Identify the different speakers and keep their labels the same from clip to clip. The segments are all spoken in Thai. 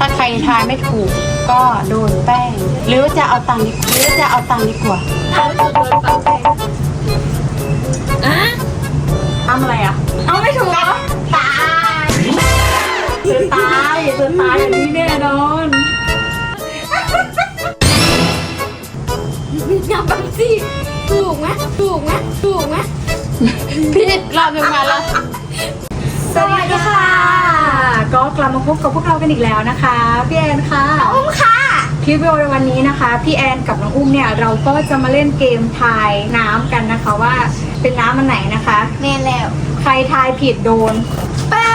Speaker 1: าใครทายไม่ถูกก็โดนแป้งหรือจะเอาตังค์ดีกว่าทำอะไรอ่ะเอาไม่ถูกตายเธอตายอย่างนี้แน่นอน
Speaker 2: อย่าบังสิถูกไหม
Speaker 1: ผิดรอบหนึ่งมาแล้ว
Speaker 2: สวัสดีค่ะ
Speaker 3: ก็กลับมาพบกับพวกเรากันอีกแล้วนะคะพี่แอนค่ะ
Speaker 2: อุ้มค่ะ
Speaker 3: คลิปวิดีโอในวันนี้นะคะพี่แอนกับน้องอุ้มเนี่ยเราก็จะมาเล่นเกมทายน้ำกันนะคะว่าเป็นน้ำอันไหนนะคะ
Speaker 2: แม่แล้ว
Speaker 3: ใครทายผิดโดน
Speaker 2: แป้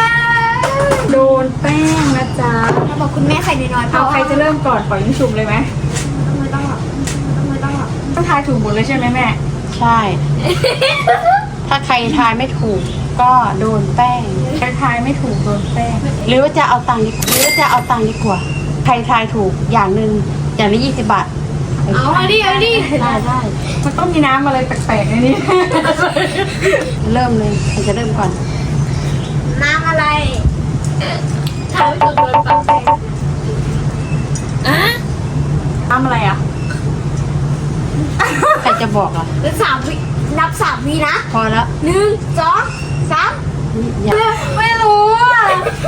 Speaker 3: งนะจ๊ะ
Speaker 2: เราบอกคุณแม่ใส่น้อยๆ
Speaker 3: เอาใครจะเริ่มก่อนปล่อยยิงฉุบเลยไหม
Speaker 2: ไม่ต้องหรอก
Speaker 3: ต้องทายถูกหมดเลยใช่ไหมแม่
Speaker 1: ใช่ ถ้าใครทายไม่ถูกก็โดนแป้ง
Speaker 3: ใครทายไม่ถูกโดนแป้ง
Speaker 1: หรือว่าจะเอาตังค์ดีกว่าใครทายถูกอย่างละ20 บาท
Speaker 2: เอาดิ
Speaker 1: ได้
Speaker 3: มันต้องมีน้ำอะไรแปลกๆในนี้
Speaker 1: เริ่มเลยใครจะเริ่มก่อน
Speaker 2: น้ำอะไรเขาจะโดนปักแป้ง
Speaker 3: น้ำอะไรอ่ะ
Speaker 1: ใครจะบอกอ่ะ
Speaker 2: นับ 3 วินะ
Speaker 1: พอแล้ว
Speaker 2: 1 2 3
Speaker 3: ไม่รู้อ่ะ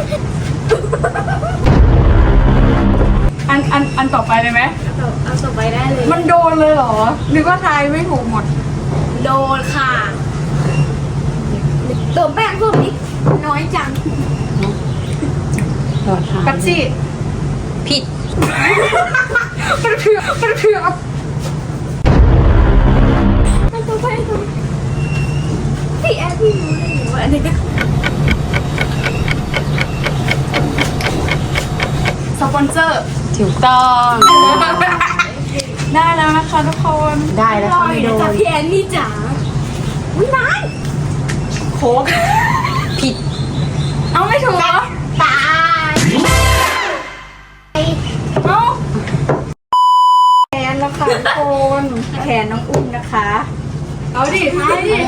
Speaker 3: อันต่อไปเลยไหม
Speaker 2: เอาต่อไปได้เลย
Speaker 3: มันโดนเลยเหรอหรือว่าทายไม่ถูกหมด
Speaker 2: โดนค่ะโดนแป้งพวกนี้น้อยจัง
Speaker 1: โดนทาย
Speaker 3: กัปซี่
Speaker 1: ผิด
Speaker 3: มันเถื่อ
Speaker 2: พี่แอดพี่รู้ได้ไงว่าอันนี้ก็
Speaker 3: สปอนเซอร์
Speaker 1: ถูกต้อง
Speaker 3: ได้แล้วนะคะทุกคน
Speaker 1: ได้แล้วเขาไม่โดน
Speaker 2: พี่แอนนี่จ๋าอุ้ยนาย
Speaker 3: โค้ก
Speaker 1: ผิด
Speaker 3: เอาไม่ถูกเหรอ
Speaker 2: ตาย
Speaker 3: เอ้าแขนแล้วค่ะทุกคนแขนน้องอุ้มนะคะเอาดิทายดิ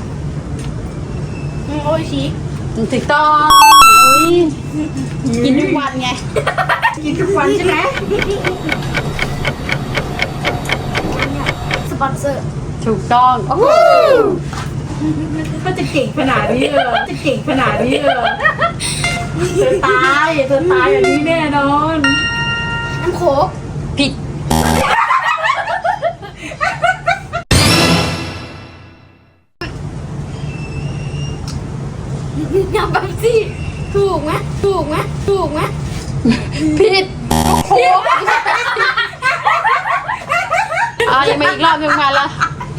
Speaker 2: โอ้ยชี
Speaker 1: ถูกต้องกินทุกวันไง
Speaker 3: กินทุกวันใช่ไหม
Speaker 2: สปอนเซอร์
Speaker 1: ถูกต้องโอ้โห
Speaker 3: ก็จะเก่งขนาดนี้เลยเธอตายอย่างนี้แน่นอน
Speaker 2: น้ำโค้ก
Speaker 1: ผิด
Speaker 2: อย่าบังสิถูกไหม
Speaker 1: ผิดโอ้โหยังไม่อีกรอบหนึ่งมาแล้ว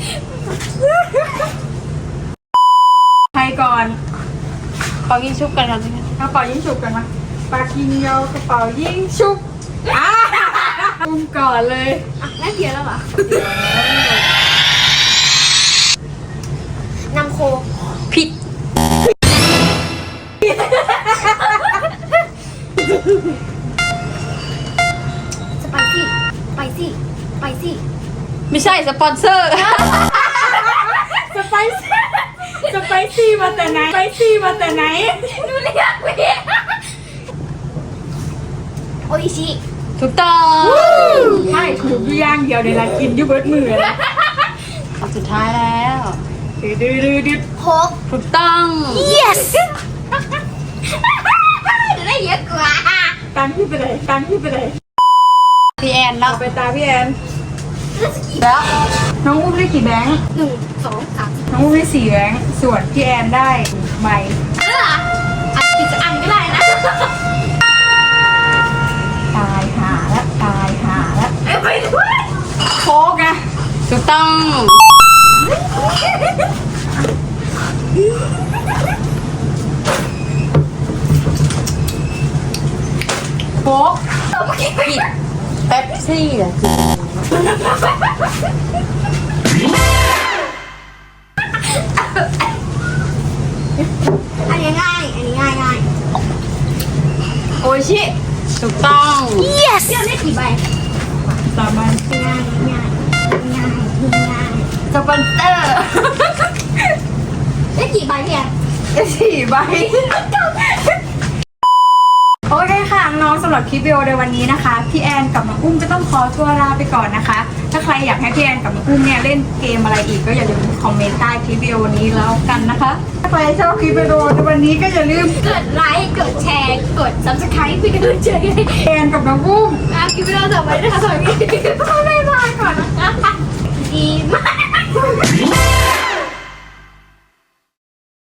Speaker 3: ใครก่อน
Speaker 1: เป่ายิงชุบกันครับ
Speaker 3: เอาเป่ายิงฉุบกันมาปากยิงยาวกระเป๋ายิงฉุบอุ้มก่อนเลย
Speaker 2: น่าเกลียดแล้วเหรอน้ำโค้ก
Speaker 1: ผิด
Speaker 2: สไปซี่
Speaker 1: ไม่ใช่สปอนเซอร์
Speaker 3: สไปซี่มาแต่ไหน
Speaker 2: ดูเรียกเรียกโออิชิ
Speaker 1: ถูกต้อง
Speaker 3: ใช่ถูกอย่างเดียวในร้านกินยูเบิร์ตมือเลย
Speaker 1: สุดท้ายแล้ว
Speaker 3: ดืด
Speaker 2: โค้ก
Speaker 1: ถูกต้อง
Speaker 2: yes ได้เยอะกว่า
Speaker 3: ตังที่ไปไหน
Speaker 1: พี่แอนแล้ว
Speaker 3: ไปตาพี่แอน
Speaker 1: แล้ว
Speaker 3: น้องอุ้มได้กี่แบงค์
Speaker 2: 1 2 3
Speaker 3: น้องอุ้มได้4แบงค์ส่วนพี่แอนได้ใบ
Speaker 2: ปิดอันก็ได้นะ
Speaker 3: ตายหาแล้ว
Speaker 2: ไปด้วย
Speaker 3: โค้กอะ
Speaker 1: ถูกต้อง
Speaker 3: โค้ก
Speaker 1: ผิดเป๊ปซี่เหรอ
Speaker 2: อันนี้ง่าย
Speaker 3: โอชิ
Speaker 1: ถูกต้อง
Speaker 2: yes เดี๋ยวได้กี่ใบ
Speaker 3: 3 ใบ
Speaker 2: ง่าย
Speaker 3: สปอนเซอร์
Speaker 2: ได้กี่ใบเนี่ย
Speaker 3: ได้4 ใบโอโอเคค่ะน้องสำหรับคลิปวิดีโอในวันนี้นะคะพี่แอนกับน้องอุ้มก็ต้องขอตัวลาไปก่อนนะคะ ถ้าใครอยากให้พี่แอนกับน้องอุ้มเนี่ยเล่นเกมอะไรอีกก็อย่าลืมคอมเมนต์ใต้คลิปวิดีโอนี้แล้วกันนะคะถ้าใครชอบคลิปวิดีโอในวันนี้ก็อย่าลืม
Speaker 2: กดไลค์กดแชร์กด subscribe เป็นกำลังใจให้
Speaker 3: แอนกับน้องอุ้ม
Speaker 2: คลิปวิดีโอต่อไปนะคะสวัสดี